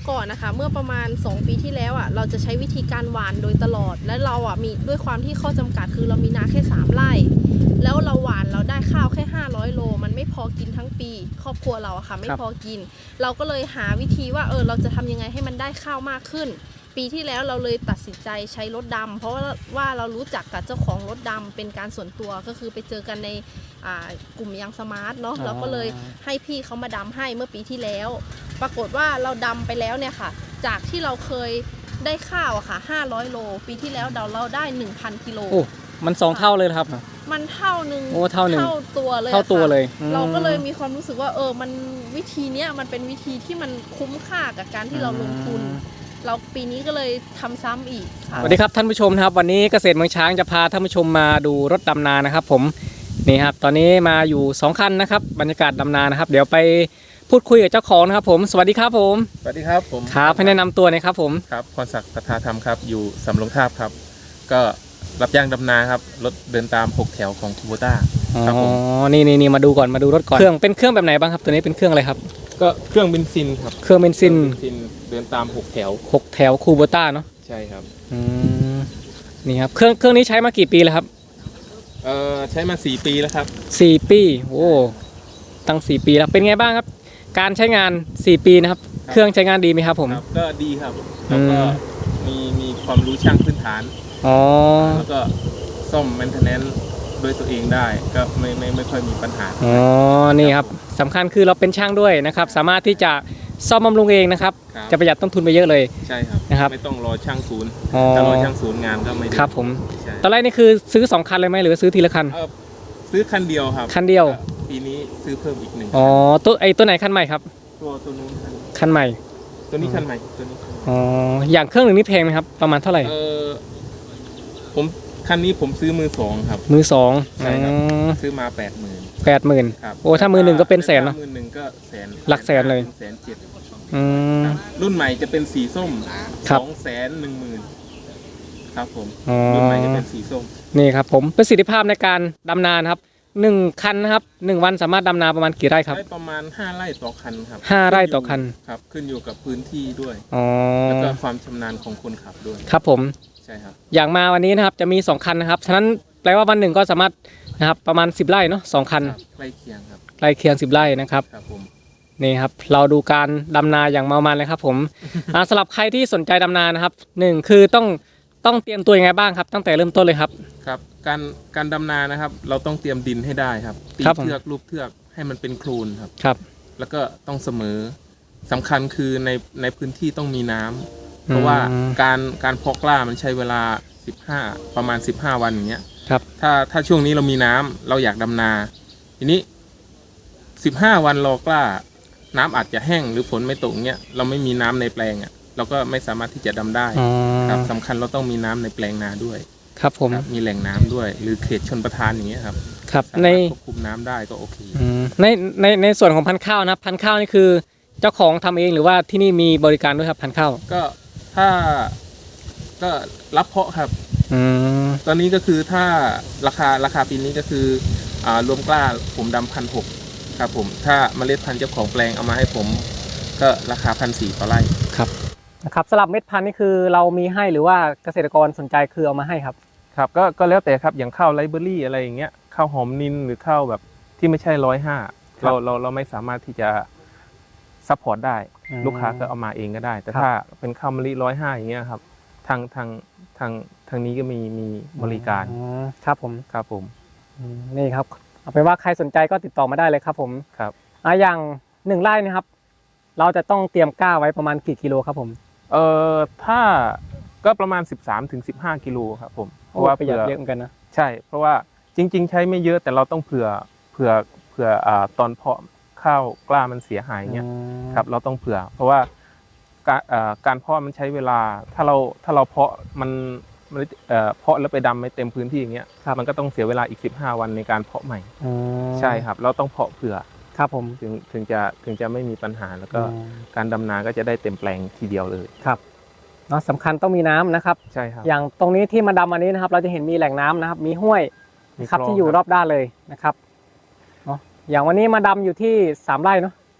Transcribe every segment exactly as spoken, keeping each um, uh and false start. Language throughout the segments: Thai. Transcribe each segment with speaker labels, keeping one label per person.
Speaker 1: ก่อนนะคะเมื่อประมาณสองปีที่แล้วอ่ะเราจะใช้วิธีการหว่านโดยตลอดและเราอ่ะมีด้วยความที่ข้อจำกัดคือเรามีนาแค่สามไร่แล้วเราหว่านเราได้ข้าวแค่ห้าร้อยโลมันไม่พอกินทั้งปีครอบครัวเราอะค่ะไม่พอกินเราก็เลยหาวิธีว่าเออเราจะทำยังไงให้มันได้ข้าวมากขึ้นปีที่แล้วเราเลยตัดสินใจใช้รถดำเพราะว่าว่าเรารู้จักกับเจ้าของรถดำเป็นการส่วนตัวก็คือไปเจอกันในกลุ่มยังสมาร์ทเนาะเราก็เลยให้พี่เขามาดำให้เมื่อปีที่แล้วปรากฏว่าเราดำไปแล้วเนี่ยค่ะจากที่เราเคยได้ข้าวอะค่ะห้าร้อยโลปีที่แล้วเราเราได้ หนึ่งพัน กิโล
Speaker 2: โอ้มันสองเท่าเลยครับ
Speaker 1: มันเท่านึง
Speaker 2: โอ้เท่านึง
Speaker 1: เท่าตัวเลย
Speaker 2: เท่าตัวเลย
Speaker 1: เราก็เลยมีความรู้สึกว่าเออมันวิธีเนี้ยมันเป็นวิธีที่มันคุ้มค่ากับการที่เราลงทุนเราปีนี้ก็เลยทำซ้ำอีก
Speaker 2: สวัสดีครับท่านผู้ชมนะครับวันนี้เกษตรเมืองช้างจะพาท่านผู้ชมมาดูรถดำนานะครับผมนี่ครับตอนนี้มาอยู่สองคันนะครับบรรยากาศดำนานะครับเดี๋ยวไปพูดคุยกับเจ้าของนะครับผมสวัสดีครับผม
Speaker 3: สวัสดีครับผม
Speaker 2: ครับให้แนะนำตัวหน่อยครับผม
Speaker 3: ครับพรศักดิ์ปัทาธรรมครับอยู่สำโรงทาบครับก็รับจ้างดำนาครับรถเดินตามหกแถวของคูโบต้า
Speaker 2: ครับผมอ๋อนี่นี่นี่มาดูก่อนมาดูรถก่อนเครื่องเป็นเครื่องแบบไหนบ้างครับตัวนี้เป็นเครื่องอะไรครับ
Speaker 3: ก็เครื่องเบนซินครับ
Speaker 2: เครื่องเบนซิน
Speaker 3: เดินตามหกแถว
Speaker 2: หกแถวคูโบต้าเนาะ
Speaker 3: ใช่ครับ
Speaker 2: อืมนี่ครับเครื่องเครื่องนี้ใช้มากี่ปีแล้วครับ
Speaker 3: เอ่อใช้มาสี่ปีแล้วครับ
Speaker 2: สี่ปีโอ้ตั้งสี่ปีแล้วเป็นไงบ้างครับการใช้งานสี่ปีนะครับเครื่องใช้งานดีไหมครับผม
Speaker 3: ก็ดีครับแล้วก็มีมีความรู้ช่างพื้นฐาน
Speaker 2: อ๋อ
Speaker 3: แล้วก็ซ่อมแมนเทนแนนซ์ด้วยตัวเองได้ก็ไม่ไม่ไม่ค่อยมีปัญหา
Speaker 2: อ๋อนี่ครับสำคัญคือเราเป็นช่างด้วยนะครับสามารถที่จะซ่อมบำรุงเองนะครับจะประหยัดต้นทุนไปเยอะเลย
Speaker 3: ใช่ครับ
Speaker 2: นะครับ
Speaker 3: ไม่ต้องรอช่างศูนย์ถ้ารอช่างศูนย์งานก็ไม่ได้
Speaker 2: ครับผมตอนแรกนี่คือซื้อสองคันเลยไหมหรือซื้อทีละคัน
Speaker 3: ซื้อคันเดียวครับ
Speaker 2: คันเดียว
Speaker 3: ปีนี้ซื้อเพิ่มอีกหนึ่ง
Speaker 2: อ๋อตัวไอตัวไหนคันใหม่ครับ
Speaker 3: ตัวตัวนู้น
Speaker 2: คันใหม่
Speaker 3: ตัวนี้คันใหม่ตัวนี้
Speaker 2: อ๋ออย่างเครื่องหนึ่งนี่แพงไหมครับประมาณเท่าไหร่
Speaker 3: เออผมคันนี้ผมซื้อมือสองครับ
Speaker 2: มือสอง
Speaker 3: ใช่ครับซื้อมาแปดหมื่น
Speaker 2: แปดหมื่นโอ้ถ้ามือหนึ่งก็เป็นแสนเนาะ
Speaker 3: มือหนึ่งก็แสน
Speaker 2: หลักแสนเลย
Speaker 3: แสนเจ็ด
Speaker 2: รุ่
Speaker 3: นใหม่จะเป็นสีส้มสองแสนหนึ่งหมื่นครับผมรุ่นใหม่จะเป็นสีส้ม
Speaker 2: นี่ครับผมประสิทธิภาพในการดำนาครับหนึ่งคันนะครับหนึ่งวันสามารถดำนาประมาณกี่ไร่ครับ
Speaker 3: ได้ประมาณห้าไร่ต่อคันครับ
Speaker 2: ห้าไร่ต่อคัน
Speaker 3: ครับขึ้นอยู่กับพื้นที่ด้วย
Speaker 2: อ๋อ
Speaker 3: แล้วก็ความชำนาญของคนขับด้วย
Speaker 2: ครับผม
Speaker 3: ใช่ครับ
Speaker 2: อย่างมาวันนี้นะครับจะมีสองคันนะครับฉะนั้นแปลว่าวันหนึ่งก็สามารถนะครับประมาณสิบไร่เนาะสองคัน
Speaker 3: ใกล้เคียงครับ
Speaker 2: ใกล้เคียงสิบไร่นะครับ
Speaker 3: ครับผม
Speaker 2: นี่ครับเราดูการดำนาอย่างเมามันเลยครับผม สำหรับใครที่สนใจดำนานะครับหนึ่งคือต้องต้องเตรียมตัวยังไงบ้างครับตั้งแต่เริ่มต้นเลยครับ
Speaker 3: ครับการการดำนานะครับเราต้องเตรียมดินให้ได้ครับตีเทือกรูปเทือกให้มันเป็นโคลนครับ
Speaker 2: ครับ
Speaker 3: แล้วก็ต้องเสมอสำคัญคือในในพื้นที่ต้องมีน้ำเพราะว่าการการเพาะกล้ามันใช้เวลาสิบห้าประมาณสิบห้าวันอย่างเงี้ย
Speaker 2: ครับ
Speaker 3: ถ้าถ้าช่วงนี้เรามีน้ำเราอยากดำนาทีนี้สิบห้าวันรอกล้าน้ำอาจจะแห้งหรือฝนไม่ตกเงี้ยเราไม่มีน้ำในแปลงอ่ะเราก็ไม่สามารถที่จะดำได้ครับสำคัญเราต้องมีน้ำในแปลงนาด้วย
Speaker 2: ครับผม
Speaker 3: มีแหล่งน้ำด้วยหรือเขตชลประทานอย่างเงี้ยครับ
Speaker 2: ครับใน
Speaker 3: ควบคุมน้ำได้ก็โอเค
Speaker 2: ในในในส่วนของพันธุ์ข้าวนะพันธุ์ข้าวนี่คือเจ้าของทำเองหรือว่าที่นี่มีบริการด้วยครับพันธุ์ข้าว
Speaker 3: ก็ถ้าก็รับเพาะครับตอนนี้ก็คือถ้าราคาราคาปีนี้ก็คืออ่ารวมกล้าผมดำพันหกครับผมถ้าเมล็ดพันธุ์เจ้าของแปลงเอามาให้ผมก็ราคาพันสี่ต่อไร่
Speaker 2: ครับนะครับสำหรับเม็ดพันธุ์นี่คือเรามีให้หรือว่าเกษตรกรสนใจคือเอามาให้ครับ
Speaker 3: ครับก็ก็แล้วแต่ครับอย่างข้าวไรเบอรี่อะไรอย่างเงี้ยข้าวหอมนินหรือข้าวแบบที่ไม่ใช่ร้อยห้าเราเราเราไม่สามารถที่จะซัพพอร์ตได้ลูกค้าก็เอามาเองก็ได้แต่ถ้าเป็นข้าวมะลิร้อยห้าอย่างเงี้ยครับทางทางทางทางนี้ก็มีมีบริการ
Speaker 2: ครับผม
Speaker 3: ครับผม
Speaker 2: นี่ครับเอาเป็นว่าใครสนใจก็ติดต่อมาได้เลยครับผม
Speaker 3: ครับ
Speaker 2: อ่าอย่างหนึ่งไร่นะครับเราจะต้องเตรียมกล้าไว้ประมาณกี่กิโลครับผม
Speaker 3: เอ่อถ้าก็ประมาณสิบสามถึงสิบห้ากิโลครับผม
Speaker 2: เพราะว่าประหยัดเยอะเหมือนกันนะ
Speaker 3: ใช่เพราะว่าจริงๆใช้ไม่เยอะแต่เราต้องเผื่อเผื่อเผื่ออ่าตอนเพาะข้าวกล้ามันเสียหายเงี้ยครับเราต้องเผื่อเพราะว่าการอ่าการเพาะมันใช้เวลาถ้าเราถ้าเราเพาะมันมันเอ่อเพาะแล้วไปดำไม่เต็มพื้นที่อย่างเงี้ยมันก็ต้องเสียเวลาอีกสิบห้าวันในการเพาะใหม่ใช่ครับเราต้องเพาะเผื่อ
Speaker 2: ครับผม
Speaker 3: ถึงถึงจะถึงจะไม่มีปัญหาแล้วก็การดำนาก็จะได้เต็มแปลงทีเดียวเลย
Speaker 2: ครับเนาะสำคัญต้องมีน้ำนะครับ
Speaker 3: ใช่ครับ
Speaker 2: อย่างตรงนี้ที่มาดำอันนี้นะครับเราจะเห็นมีแหล่งน้ำนะครับมีห้วยนะครับที่อยู่รอบด้านเลยนะครับเนาะอย่างวันนี้มาดำอยู่ที่สามไร่เนาะ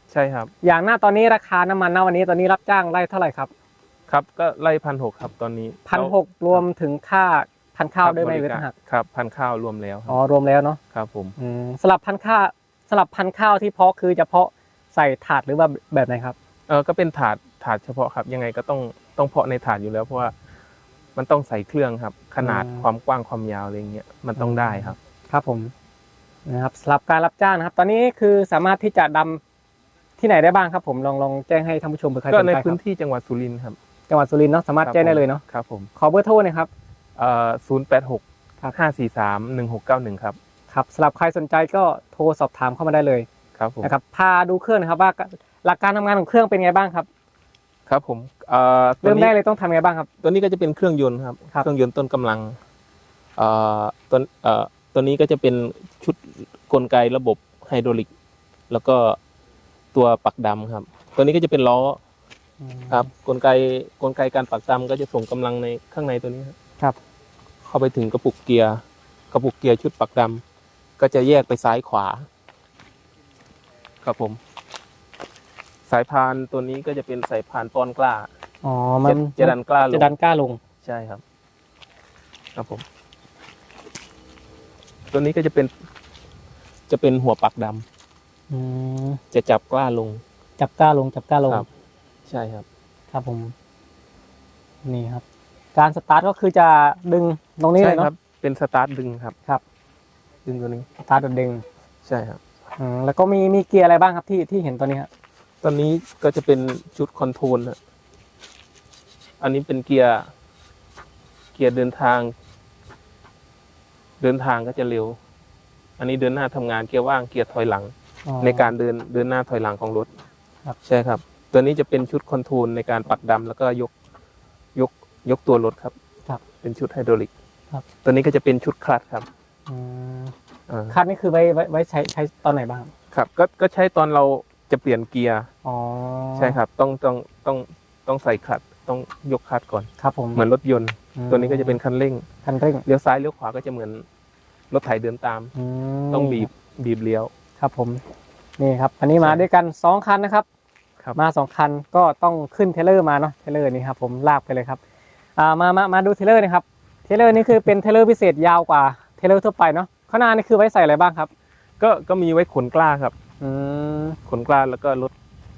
Speaker 3: ใช่ครับ
Speaker 2: อย่างหน้าตอนนี้ราคาน้ำมันณวันนี้ตอนนี้รับจ้างไร่เท่าไหร่ครับ
Speaker 3: ครับก็ไล่พันหกครับตอนนี้
Speaker 2: พันหกรวมถึงค่าพันข้าวด้วยไหมหรือต่างหาก
Speaker 3: ครับพันข้าวรวมแล้วค
Speaker 2: อ๋อ
Speaker 3: รับ
Speaker 2: รวมแล้วเนาะ
Speaker 3: ครับผม
Speaker 2: อืมสลับพันข้าวสลับพันข้าวที่เพาะคือจะเพาะใส่ถาดหรือว่าแบบไหนครับ
Speaker 3: เออก็เป็นถาดถาดเฉพาะครับยังไงก็ต้องต้องเพาะในถาดอยู่แล้ว เพราะว่ามันต้องใส่เครื่องครับ ขนาด
Speaker 2: อืม
Speaker 3: ความกว้างความยาวอะไรเงี้ยมันต้องได้ครับ
Speaker 2: ครับผมนะครับสำหรับการรับจ้างนะครับ ตอนนี้คือสามารถที่จะดำที่ไหนได้บ้างครับผมลองลองแจ้งให้ท่านผู้ชมเผื่อใครส
Speaker 3: ก็
Speaker 2: น
Speaker 3: ใน
Speaker 2: ใจค
Speaker 3: พื้
Speaker 2: รั
Speaker 3: น
Speaker 2: บ
Speaker 3: ที่จังหวัดสุรินทร์ครับ
Speaker 2: จังหวัดสุรินทร์เนาะสามารถแจ้งได้เลยเนาะ
Speaker 3: ครับผม
Speaker 2: ขอเบอร์โทรหน่อยครับ
Speaker 3: เอ่อศูนย์แปดหก
Speaker 2: ครับ
Speaker 3: ห้าสี่สามหนึ่งหกเก้าหนึ่งครับ
Speaker 2: ครับสำหรับใครสนใจก็โทรสอบถามเข้ามาได้เลย
Speaker 3: ครับผม
Speaker 2: นะครับพาดูเครื่องนะครับว่าหลักการทำงานของเครื่องเป็นไงบ้างครับ
Speaker 3: ครับผมเอ่อตัว
Speaker 2: เริ่ม
Speaker 3: นี้
Speaker 2: ได้เลยต้องทำไงบ้างครับ
Speaker 3: ตัวนี้ก็จะเป็นเครื่องยนต์ครับ
Speaker 2: ครับ
Speaker 3: เครื่องยนต์ต้นกำลังเอ่อตัวเอ่อตัวนี้ก็จะเป็นชุดกลไกระบบไฮดรอลิก แล้วก็ตัวปักดำครับ ตัวนี้ก็จะเป็นล้อครับกลไกกลไกการปักดำก็จะส่งกำลังในข้างในตัวนี้ครับ
Speaker 2: ครับ
Speaker 3: เข้าไปถึงกระปุกเกียร์กระปุกเกียร์ชุดปักดำก็จะแยกไปซ้ายขวา ครับผม สายพานตัวนี้ก็จะเป็นสายพานป้อนกล้า
Speaker 2: อ๋อมัน
Speaker 3: จะดันกล้าลง
Speaker 2: จะดันกล้าลง
Speaker 3: ใช่ครับ ครับผม ตัวนี้ก็จะเป็น จะเป็นหัวปักดำ
Speaker 2: อืม
Speaker 3: จะจับกล้าลง
Speaker 2: จับกล้าลงจับกล้าลง
Speaker 3: ครับ ใช่ครับ
Speaker 2: ครับผม นี่ครับ การสตาร์ทก็คือจะดึงตรงนี้เล
Speaker 3: ใช่
Speaker 2: ย
Speaker 3: ครั
Speaker 2: เนาะ
Speaker 3: บ เป็นสตาร์ทดึงครับ
Speaker 2: ครับ
Speaker 3: ดึงตัวนี้
Speaker 2: สตาร์ทแบบดึง
Speaker 3: ใช่ครับ
Speaker 2: อืมแล้วก็มีมีเกียร์อะไรบ้างครับที่ที่เห็นตัวนี้ครับ
Speaker 3: ตอนนี้ก็จะเป็นชุดคอนโทรลนะอันนี้เป็นเกียร์ เกียร์เดินทาง เดินทางก็จะเร็ว อันนี้เดินหน้าทำงานเกียร์ว่างเกียร์ถอยหลัง
Speaker 2: อ๋อ
Speaker 3: ในการเดินเดินหน้าถอยหลังของรถ
Speaker 2: ครับ
Speaker 3: ใช่ครับ ตัวนี้จะเป็นชุดคอนโทรลในการปักดำแล้วก็ยกยกยกตัวรถครับ
Speaker 2: ครับ
Speaker 3: เป็นชุดไฮดรอลิก
Speaker 2: ครับ
Speaker 3: ตัวนี้ก็จะเป็นชุดคลัตช์ครับ
Speaker 2: อืม
Speaker 3: อ่า
Speaker 2: คันนี่คือไว้ไว้ไว้ใช้ใช้ตอนไหนบ้าง
Speaker 3: ครับก็ก็ใช้ตอนเราจะเปลี่ยนเกียร์
Speaker 2: อ๋อ
Speaker 3: ใช่ครับ ต้องต้องต้องต้องใส่คลัตช์ต้องยกคลัตช์ก่อน
Speaker 2: ครับผม
Speaker 3: เหมือนรถยนต์ ตัวนี้ก็จะเป็นคันเร่ง
Speaker 2: คันเร่ง
Speaker 3: เลี้ยวซ้ายเลี้ยวขวาก็จะเหมือนรถไถเดินตาม
Speaker 2: ม
Speaker 3: ต้องบีบบีบเลี้ยว
Speaker 2: ครับผม นี่ครับ อันนี้มา
Speaker 3: ใช่
Speaker 2: ด้วยกันสองคันนะครับ
Speaker 3: ครับ
Speaker 2: มาสองคันก็ต้องขึ้นเทรลเลอร์มาเนาะเทรลเลอร์นี่ครับผมลากไปเลยครับอ่ามามามาดูเทรลเลอร์นะครับเทรลเลอร์นี่คือเป็นเทรลเลอร์พิเศษยาวกว่าเทรลเลอร์ทั่วไปเนาะข้างหน้านี่คือไว้ใส่อะไรบ้างครับ
Speaker 3: ก็ก็มีไว้ขนกล้าครับ
Speaker 2: อืม
Speaker 3: ขนกล้าแล้วก็รถ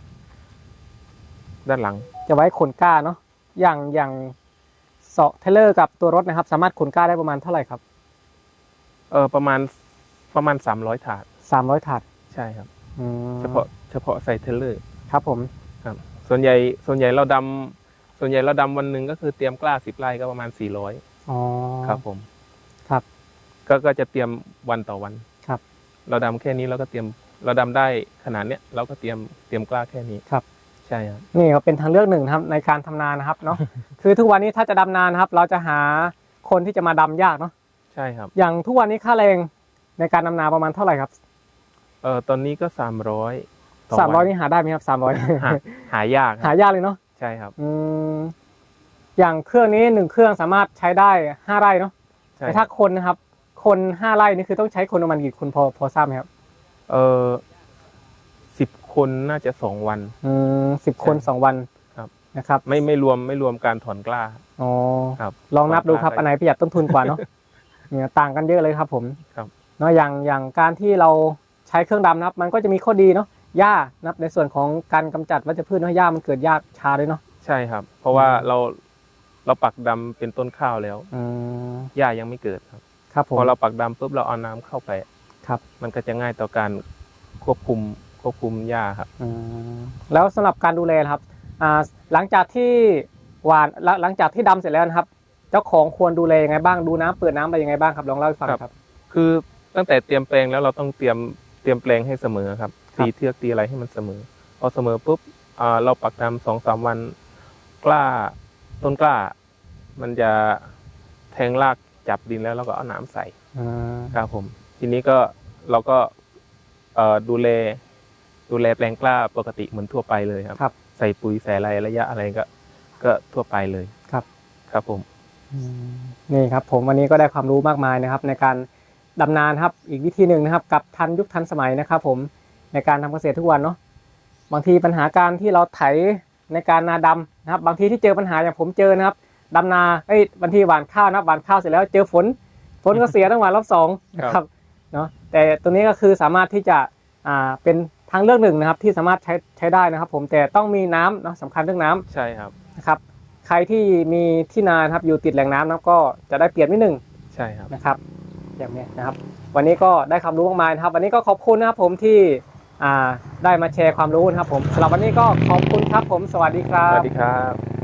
Speaker 3: ด้านหลัง
Speaker 2: จะไว้ขนก้าเนาะอย่างอย่างเสาะเทรลเลอร์กับตัวรถนะครับ สามารถขนก้าได้ประมาณเท่าไหร่ครับ
Speaker 3: เออประมาณประมาณสามร้อยถาด
Speaker 2: สามร้อยถาด
Speaker 3: ใช่ครับ
Speaker 2: อืม
Speaker 3: เฉพาะเฉพาะใส่เทรลเลอร์
Speaker 2: ครับผม
Speaker 3: ครับ ส่วนใหญ่ส่วนใหญ่เราดำส่วนใหญ่เราดำวันหนึ่งก็คือเตรียมกล้าสิบไร่ก็ประมาณสี่ร้อย
Speaker 2: อ๋อ
Speaker 3: ครับผม
Speaker 2: ครับ
Speaker 3: ก็ก็จะเตรียมวันต่อวัน
Speaker 2: ครับ
Speaker 3: เราดำแค่นี้เราก็เตรียมเราดำได้ขนาดเนี้ยเราก็เตรียมเตรียมกล้าแค่นี้
Speaker 2: ครับ
Speaker 3: ใช่ครับ
Speaker 2: นี่ก็เป็นทางเลือกหนึ่งนะครับในการทำนานะครับเนาะ คือทุกวันนี้ถ้าจะดำนานะครับ เราจะหาคนที่จะมาดำยากเนาะ
Speaker 3: ใช่ครับ
Speaker 2: อย่างทุกวันนี้ค่าแรงในการดำนาประมาณเท่าไหร่ครับ
Speaker 3: เออตอนนี้ก็สามร้อย
Speaker 2: สามร้อยนี่หาได้ไหมครับสามร้อย
Speaker 3: หาหายากค
Speaker 2: หา
Speaker 3: รับ
Speaker 2: ยากเลยเนาะ
Speaker 3: ใช่ครับ
Speaker 2: อืมอย่างเครื่องนี้หนึ่งเครื่องสามารถใช้ได้ห้าไร่เนาะ
Speaker 3: ใช่
Speaker 2: แต่
Speaker 3: ค
Speaker 2: ถ้า
Speaker 3: รับ
Speaker 2: คนนะครับ คนห้าไร่นี่คือต้องใช้คนประมาณกี่คนพอพอทราบไหมครับ
Speaker 3: เออสิบคนน่าจะสองวัน
Speaker 2: อืมสิบคน
Speaker 3: ใช่
Speaker 2: สองวัน
Speaker 3: ครับ
Speaker 2: นะครับ
Speaker 3: ไม่ไม่รวมไม่รวมการถอนกล้า
Speaker 2: อ๋อ
Speaker 3: ครับ
Speaker 2: ลองนับดูครับ
Speaker 3: ถอนกล้า
Speaker 2: อันไหนประหยัดต้นทุนกว่าเนาะ เนี่ยต่างกันเยอะเลยครับผม
Speaker 3: ครับ
Speaker 2: เนาะอย่างอย่างการที่เราใช้เครื่องดำนะครับ มันก็จะมีข้อดีเนาะหญ้านะครับในส่วนของการกำจัดวัชพืชเนาะหญ้ามันเกิดหญ้าชาด้วยเนาะ
Speaker 3: ใช่ครับ เพราะว่าเราเราปักดำเป็นต้นข้าวแล้ว
Speaker 2: อืม
Speaker 3: หญ้ายังไม่เกิดครับ
Speaker 2: ครับผม
Speaker 3: พอเราปักดำปุ๊บเราเอาน้ำเข้าไป
Speaker 2: ครับ
Speaker 3: มันก็จะง่ายต่อการควบคุมควบคุมหญ้าครับ
Speaker 2: อืมแล้วสำหรับการดูแลนะครับอ่าหลังจากที่หวานหลังหลังจากที่ดำเสร็จแล้วนะครับ เจ้าของควรดูแลยังไงบ้างดูน้ำเปิดน้ำไปยังไงบ้างครับลองเล่าให้ฟังครับ
Speaker 3: คือตั้งแต่เตรียมแปลงแล้วเราต้องเตรียมเตรียมแปลงให้เสมอครับตีเทือกตีอะไรให้มันเสมอพอเสมอปุ๊บอ่าเราปักดำสองสามวันกล้าต้นกล้า มันจะแทงรากจับดินแล้วเราก็เอาน้ำใส่
Speaker 2: อืม
Speaker 3: ครับผม ทีนี้ก็เราก็เอ่อดูแลดูแลแปลงกล้าปกติเหมือนทั่วไปเลยครับ
Speaker 2: ครับ
Speaker 3: ใส่ปุ๋ยใส่อะไรระยะอะไรก็ก็ทั่วไปเลย
Speaker 2: ครับ
Speaker 3: ครับผม
Speaker 2: อืมนี่ครับผมวันนี้ก็ได้ความรู้มากมายนะครับ ในการดำนาครับอีกวิธีหนึ่งนะครับ กับทันยุคทันสมัยนะครับ ผมในการทำเกษตรทุกวันเนาะบางทีปัญหาการที่เราไถในการนาดำนะครับบางทีที่เจอปัญหาอย่างผมเจอนะครับดำนาเอ้ยบางทีหว่านข้าวนะหว่านข้าวเสร็จแล้วเจอฝนฝนก็เสียต้องหว่านรอบสองนะครับเนาะแต่ตัวนี้ก็คือสามารถที่จะอ่าเป็นทางเลือกหนึ่งนะครับที่สามารถใช้ใช้ได้นะครับผมแต่ต้องมีน้ำเนาะสำคัญเรื่องน้ำ
Speaker 3: ใช่ครับ
Speaker 2: นะครับใครที่มีที่นานะครับอยู่ติดแหล่งน้ำนะก็จะได้เปรียบนิดหนึ่ง
Speaker 3: ใช่ครับ
Speaker 2: นะครับอย่างนี้นะครับวันนี้ก็ได้ความรู้มากมายนะครับวันนี้ก็ขอบคุณนะครับผมที่อ่าได้มาแชร์ความรู้นะครับผมสำหรับวันนี้ก็ขอบคุณครับผมสวัสดีครั
Speaker 3: ส
Speaker 2: บ
Speaker 3: วัสดีครับ